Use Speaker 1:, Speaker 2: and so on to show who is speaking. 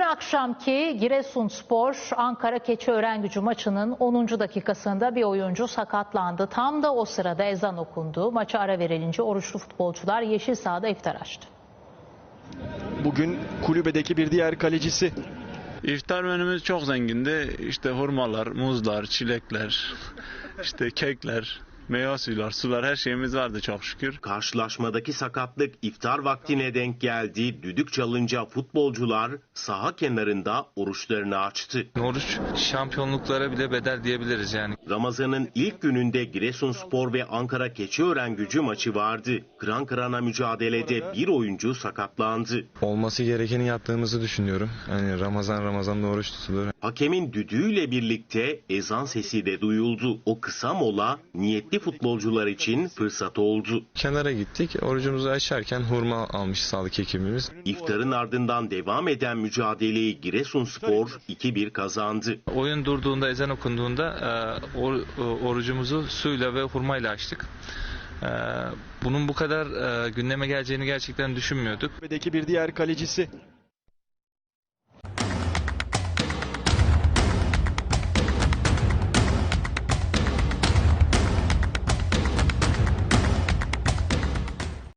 Speaker 1: akşamki Giresunspor Ankara Keçiörengücü maçının 10. dakikasında bir oyuncu sakatlandı. Tam da o sırada ezan okundu. Maça ara verilince oruçlu futbolcular yeşil sahada iftar açtı.
Speaker 2: Bugün kulübedeki bir diğer kalecisi.
Speaker 3: İftar menümüz çok zengindi. İşte hurmalar, muzlar, çilekler, işte kekler, meyve suyular, sular, her şeyimiz vardı çok şükür.
Speaker 4: Karşılaşmadaki sakatlık iftar vaktine denk geldi. Düdük çalınca futbolcular saha kenarında oruçlarını açtı.
Speaker 5: Oruç şampiyonluklara bile bedel diyebiliriz yani.
Speaker 4: Ramazan'ın ilk gününde Giresunspor ve Ankara Keçiörengücü maçı vardı. Kıran kırana mücadelede bir oyuncu sakatlandı.
Speaker 6: Olması gerekeni yaptığımızı düşünüyorum. Hani Ramazan'da oruç tutulur.
Speaker 4: Hakemin düdüğüyle birlikte ezan sesi de duyuldu. O kısa mola niyetli futbolcular için fırsat oldu.
Speaker 6: Kenara gittik. Orucumuzu açarken hurma almış sağlık ekibimiz.
Speaker 4: İftarın ardından devam eden mücadeleyi Giresunspor 2-1 kazandı.
Speaker 5: Oyun durduğunda, ezan okunduğunda orucumuzu suyla ve hurmayla açtık. Bunun bu kadar gündeme geleceğini gerçekten düşünmüyorduk.
Speaker 2: Kulübedeki bir diğer kalecisi.